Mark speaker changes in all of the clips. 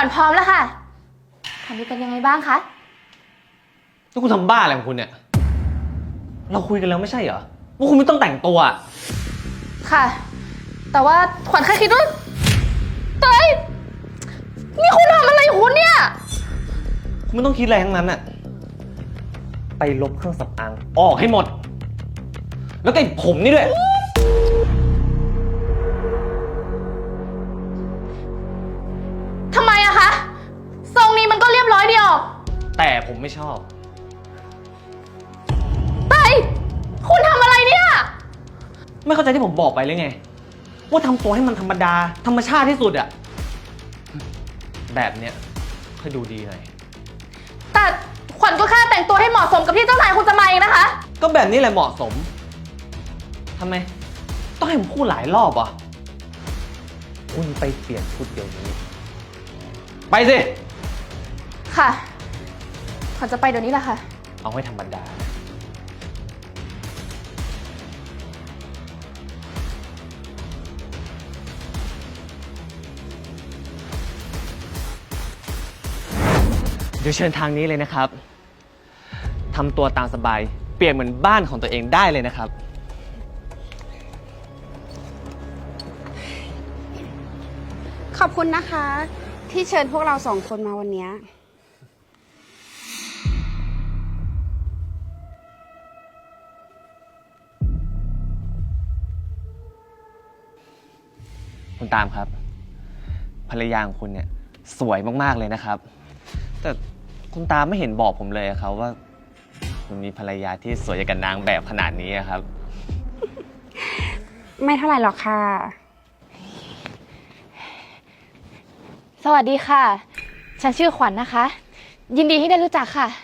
Speaker 1: วัญพร้อมแล้วค่ะขวัญดูเป็นยังไงบ้างคะ
Speaker 2: แล้วคุณทำบ้าอะไรของคุณเนี่ยเราคุยกันแล้วไม่ใช่เหรอว่าคุณไม่ต้องแต่งตัว
Speaker 1: ค่ะ แต่ว่าขวัญแค่คิดว่าเฮ้ยนี่คุณทำอะไรคุณเนี่ย
Speaker 2: คุณไม่ต้องคิดอะไรทั้งนั้นอะไปลบเครื่องสำอางออกให้หมด แล้วก็ไอ้ผมนี่ด้วย
Speaker 1: ทำไมอะคะทรงนี้มันก็เรียบร้อยดีออก
Speaker 2: แต่ผมไม่ชอบ
Speaker 1: เฮ้ยคุณทำอะไรเนี่ย
Speaker 2: ไม่เข้าใจที่ผมบอกไปเลยไงว่าทำตัวให้มันธรรมดาธรรมชาติที่สุดอะแบบเนี้ยค่อยดูดีหน่อย
Speaker 1: แต่ขวัญก็แค่แต่งตัวให้เหมาะสมกับที่เจ้านายคุณจะมาเองนะคะ
Speaker 2: ก็แบบนี้แหละเหมาะสมทำไมต้องให้ผมพูดหลายรอบอ่ะคุณไปเปลี่ยนชุดเดี๋ยวนี้ไปสิ
Speaker 1: ค่ะขวัญจะไปเดี๋ยวนี้แหละค่ะ
Speaker 2: เอาให้ธรรมดาเดี๋ยวเชิญทางนี้เลยนะครับทำตัวตามสบายเปลี่ยนเหมือนบ้านของตัวเองได้เลยนะครับ
Speaker 3: ขอบคุณนะคะที่เชิญพวกเราสองคนมาวันนี้
Speaker 2: คุณตามครับภรรยาของคุณเนี่ยสวยมากๆเลยนะครับแต่คุณตามไม่เห็นบอกผมเลยครับว่าคุณมีภรรยาที่สวยอย่างกับนางแบบขนาดนี้ครับ
Speaker 3: ไม่เท่าไหร่หรอกค่ะ
Speaker 1: สวัสดีค่ะฉันชื่อขวัญนะคะ ยินดีที่ได้รู้จักค่ะ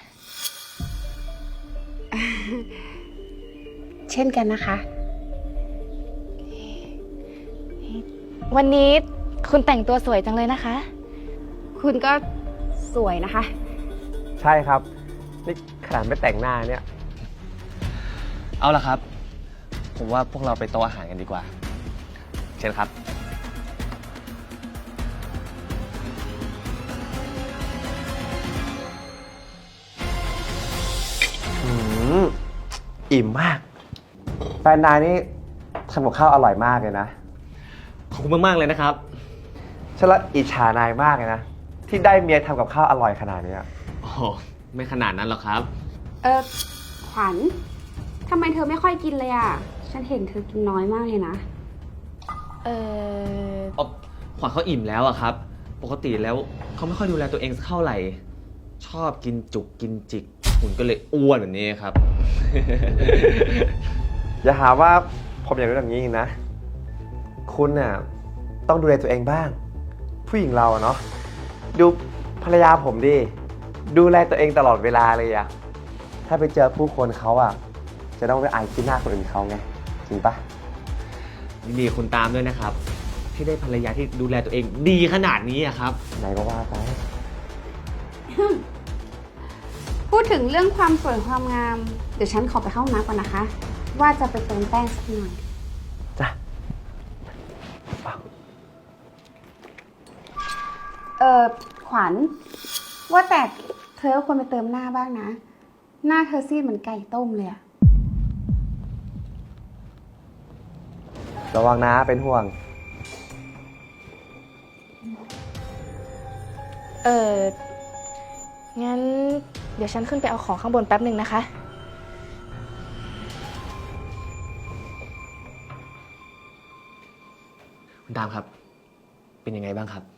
Speaker 3: เช่นกันนะคะ
Speaker 1: วันนี้คุณแต่งตัวสวยจังเลยนะคะ
Speaker 3: คุณก็สวยนะคะ
Speaker 4: ใช่ครับนี่ขนาดไม่แต่งหน้าเนี่ย
Speaker 2: เอาละครับผมว่าพวกเราไปโต๊ะอาหารกันดีกว่าเชิญครับ
Speaker 4: อิ่มมากแฟนนายนี่ทำกับข้าวอร่อยมากเลยนะ
Speaker 2: ขอบคุณมากๆเลยนะครับ
Speaker 4: ฉันละอิจฉานายมากเลยนะที่ได้เมียทำกับข้าวอร่อยขนาดนี้
Speaker 2: โอ้ไม่ขนาดนั้นหรอกครับ
Speaker 3: ขวัญทำไมเธอไม่ค่อยกินเลยอ่ะฉันเห็นเธอกินน้อยมากเลยนะ
Speaker 2: ขวัญเขาอิ่มแล้วอะครับปกติแล้วเขาไม่ค่อยดูแลตัวเองสักเท่าไหร่ชอบกินจุกกินจิกคุณก็เลยอ้วนแบบนี้ครับ
Speaker 4: อย่าหาว่าผมอย่างนู้นอย่างนี้นะคุณน่ะต้องดูแลตัวเองบ้างผู้หญิงเราเนาะดูภรรยาผมดิดูแลตัวเองตลอดเวลาเลยอะถ้าไปเจอผู้คนเขาอะจะต้องไปอายที่หน้าคนอื่นเขาไงจริงปะ
Speaker 2: ยินดีคุณตามด้วยนะครับที่ได้ภรรยาที่ดูแลตัวเองดีขนาดนี้อะครับ
Speaker 4: ไหนก็ว่าไป
Speaker 3: พูดถึงเรื่องความสวยความงามเดี๋ยวฉันขอไปเข้าห้องน้ำก่อนนะคะ ว่าจะไปเติมแป้งสักหน่อย
Speaker 4: จ้ะ
Speaker 3: ขวัญว่าแต่เธอควรไปเติมหน้าบ้างนะหน้าเธอซีดเหมือนไก่ต้มเลยอะ
Speaker 4: ระวังนะเป็นห่วง
Speaker 1: งั้นเดี๋ยวฉันขึ้นไปเอาของข้างบนแป๊บหนึ่งนะคะ
Speaker 2: คุณตามครับเป็นยังไงบ้างครับ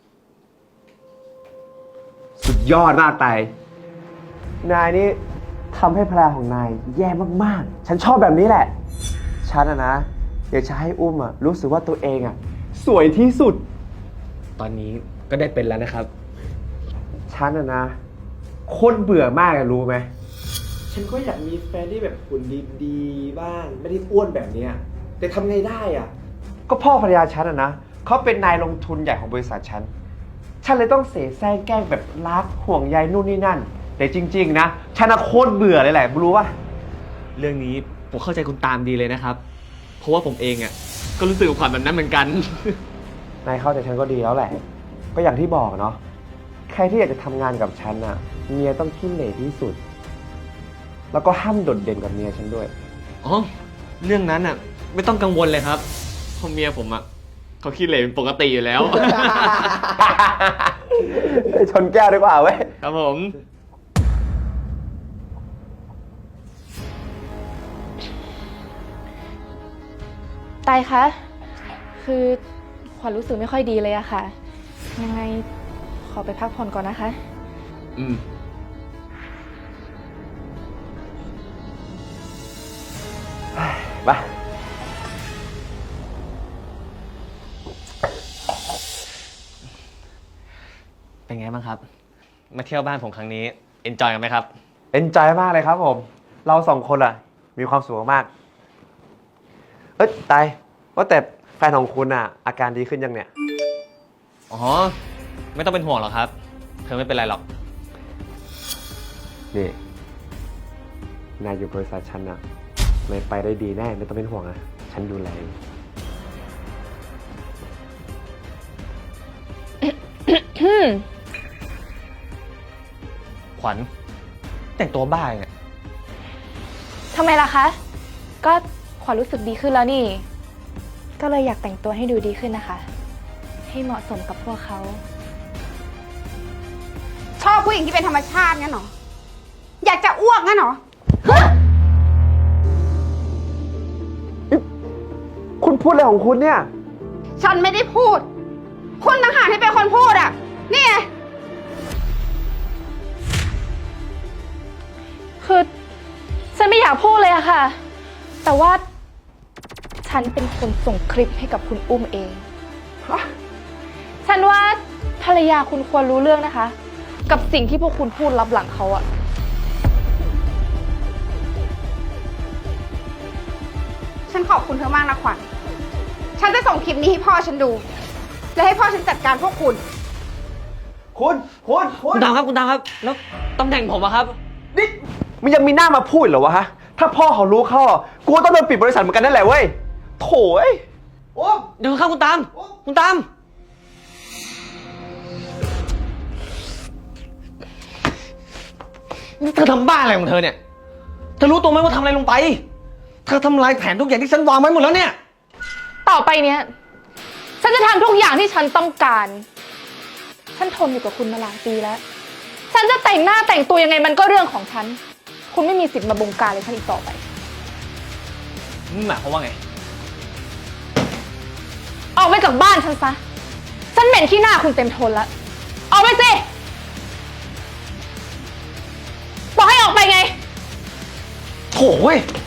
Speaker 4: สุดยอดมากไตนายนี่ทำให้ภรรยาของนายแย่มากๆฉันชอบแบบนี้แหละฉันนะอยากจะให้อุ้มรู้สึกว่าตัวเองสวยที่สุด
Speaker 2: ตอนนี้ก็ได้เป็นแล้วนะครับ
Speaker 4: ฉันนะคนเบื่อมากรู้ไหมฉันก็อยากมีแฟนที่แบบหุ่นดีๆบ้างไม่ได้อ้วนแบบนี้แต่ทำไงได้ก็พ่อภรรยาฉันนะเขาเป็นนายลงทุนใหญ่ของบริษัทฉันเลยต้องเสแสร้งแกล้งแบบรักห่วงใยนู่นนี่นั่นแต่จริงๆนะฉันโคตรเบื่อเลยแหละรู้ป่ะ
Speaker 2: เรื่องนี้ผมเข้าใจคุณตามดีเลยนะครับเพราะว่าผมเองก็รู้สึกกับความแบบนั้นเหมือนกัน
Speaker 4: นายเข้าใจฉันก็ดีแล้วแหละก็อย่างที่บอกเนาะใครที่อยากจะทำงานกับฉันอะเมียต้องขี้เหร่ที่สุด แล้วก็ห้ามโดดเด่นกับเมียฉันด้วย
Speaker 2: อ๋อ เรื่องนั้นอ่ะ ไม่ต้องกังวลเลยครับเพราะเมียผมอ่ะเขาขี้เหร่เป็นปกติอยู่แล้ว
Speaker 4: ชนแก้วดีกว่าเว้ย
Speaker 2: ครับผม
Speaker 1: ไตายคะ คือขวัญรู้สึกไม่ค่อยดีเลยอะค่ะ ยังไงขอไปพักผ่อนก่อนนะคะ
Speaker 2: อืม
Speaker 4: มา
Speaker 2: เป็นไงบ้างครับ มาเที่ยวบ้านผมครั้งนี้เอนจอยกันไหมครับ
Speaker 4: เอนจอยมากเลยครับผม เราสองคนอะมีความสุขมาก เอ้ยตายว่าแต่แฟนของคุณอะอาการดีขึ้นยังเนี่ย
Speaker 2: อ๋อ ไม่ต้องเป็นห่วงหรอกครับ เธอไม่เป็นไรหรอก
Speaker 4: นี่ นายอยู่บริษัทฉันอะไม่ไปได้ดีแน่ ไม่ต้องเป็นห่วงอะฉันดูแล
Speaker 2: ขวัญแต่งตัวบ้าเนี่ย
Speaker 1: ทำไมล่ะคะ ก็ขวัญรู้สึกดีขึ้นแล้วนี่ ก็เลยอยากแต่งตัวให้ดูดีขึ้นนะคะ ให้เหมาะสมกับพวกเขา
Speaker 3: ชอบผู้หญิงที่เป็นธรรมชาติงั้นเหรอ อยากจะอ้วกงั้นเหรอ
Speaker 4: คุณพูดอะไรของคุณเนี่ย
Speaker 3: ฉันไม่ได้พูด คุณต่างหากที่เป็นคนพูดอ่ะ นี่ไง
Speaker 1: คือฉันไม่อยากพูดเลยอะค่ะ แต่ว่าฉันเป็นคนส่งคลิปให้กับคุณอุ้มเอง ฉันว่าภรรยาคุณควรรู้เรื่องนะคะ กับสิ่งที่พวกคุณพูดลับหลังเขาอะ
Speaker 3: ฉันขอบคุณเธอมากนะขวัญ ฉันจะส่งคลิปนี้ให้พ่อฉันดู และให้พ่อฉันจัดการพวกคุณ
Speaker 2: คุณตามครับ คุณตามครับ แล้วตำแหน่งผมอะครับ
Speaker 4: นี่มันยังมีหน้ามาพูดเหรอวะฮะ ถ้าพ่อเขารู้เข้าอ่ะกูก็ต้องโดนปิดบริษัทเหมือนกันนั่นแหละเว้ย โถ่เอ้ยโอ้
Speaker 2: เดี๋ยวครับคุณตาม คุณตาม นี่เธอทำบ้าอะไรของเธอเนี่ย เธอรู้ตัวไหมว่าทำอะไรลงไป เธอทำลายแผนทุกอย่างที่ฉันวางไว้หมดแล้วเนี่ย
Speaker 1: ต่อไปเนี้ย ฉันจะทำทุกอย่างที่ฉันต้องการ ฉันทนอยู่กับคุณมาหลายปีแล้ว ฉันจะแต่งหน้าแต่งตัวยังไงมันก็เรื่องของฉัน คุณไม่มีสิทธิ์มาบงการเลยฉันอีกต่อไป
Speaker 2: นี่หมายความว่าไง
Speaker 1: ออกไปจากบ้านฉันซะ ฉันเหม็นขี้หน้าคุณเต็มทนแล้ว ออกไปสิ บอกให้ออกไปไง
Speaker 2: โถ่เว้ย